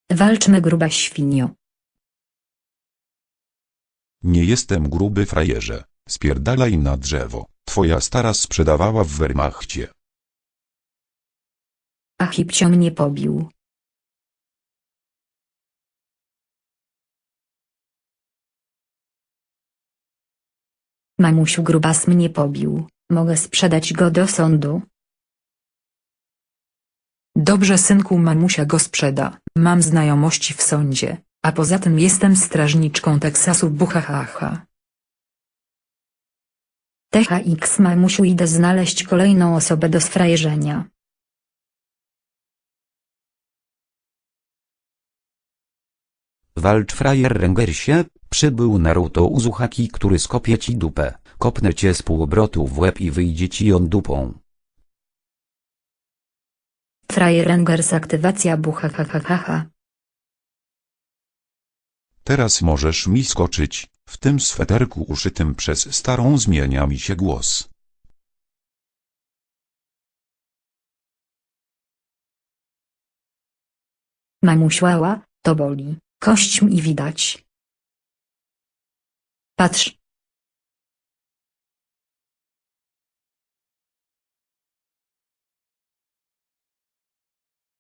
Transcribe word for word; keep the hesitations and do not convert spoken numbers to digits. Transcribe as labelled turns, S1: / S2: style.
S1: Walczmy, gruba świnio.
S2: Nie jestem gruby, frajerze. Spierdalaj na drzewo. Twoja stara sprzedawała w Wehrmachcie.
S1: A Hipcio mnie pobił. Mamusiu, grubas mnie pobił. Mogę sprzedać go do sądu?
S3: Dobrze, synku, mamusia go sprzeda. Mam znajomości w sądzie, a poza tym jestem strażniczką Teksasu, buchahaha.
S1: T H X, mamusiu, idę znaleźć kolejną osobę do sfrajerzenia.
S4: Walcz, frajer Rengersie, przybył Naruto Uzumaki, który skopie ci dupę, kopnę cię z półobrotu w łeb i wyjdzie ci on dupą.
S1: Frajer Rengers, aktywacja buchahahaha.
S2: Teraz możesz mi skoczyć. W tym sweterku uszytym przez starą zmienia mi się głos.
S1: Mamusiu, ała, to boli. Kość mi widać. Patrz,